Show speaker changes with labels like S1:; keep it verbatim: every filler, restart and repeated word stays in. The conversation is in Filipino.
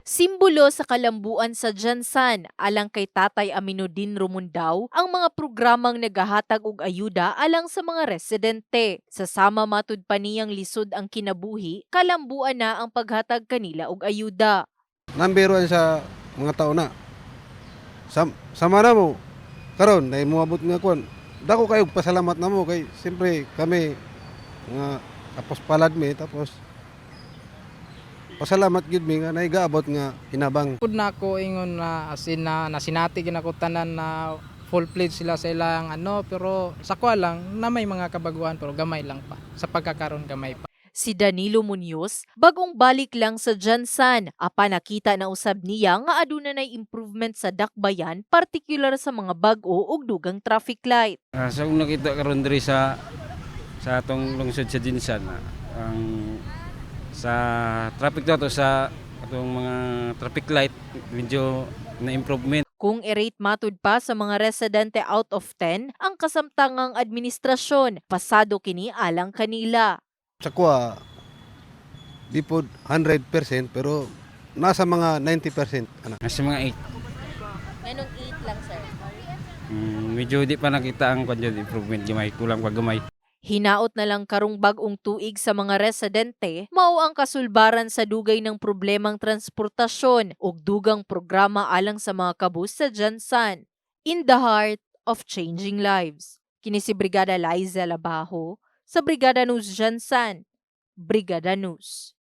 S1: Simbolo sa kalambuan sa Jansan alang kay Tatay Aminuddin Romundaw ang mga programang nagahatag og ayuda alang sa mga residente. Sa sama matud pa niyang lisod ang kinabuhi, kalambuan na ang paghatag kanila og ayuda.
S2: Number one sa mga tao na. Sam, sama na mo. Karon na moabot nga kuan. Dako kayo pasalamat na mo kay siyempre kami nga tapos palad mi tapos pasalamat gid mi nga naigaabot nga hinabang.
S3: Pud na ako ingon na asin na nasinati gid ako tanan na full pledge sila sa ilang ano, pero sa kwa lang na may mga kabaguhan pero gamay lang pa. Sa pagkakaroon gamay pa.
S1: Si Danilo Munoz, bagong balik lang sa Jansan, apa nakita na usab niya nga aduna nay improvement sa dakbayan, partikular sa mga bag-o ug dugang traffic light.
S4: Ah, sa kung nakita karon diri sa sa atong lungsod sa Jinsan, ah, ang sa traffic to sa atong mga traffic light medyo na improvement.
S1: Kung i-rate matud pa sa mga residente out of ten, ang kasamtangang administrasyon, pasado kini alang kanila.
S2: Sa kuha di pod one hundred percent pero nasa mga ninety percent ana.
S4: Nasa mga eight.
S1: Anong eight lang, sir?
S4: Mm, medyo di pa nakita ang kanya improvement gamay, kulang pa gamay.
S1: Hinaot na lang karong bag-ong tuig sa mga residente, mao ang kasulbaran sa dugay ng problemang transportasyon ug dugang programa alang sa mga kabus sa Jansan. In the heart of changing lives. Kini si Brigada Liza Labajo sa Brigada News Jansan. Brigada News.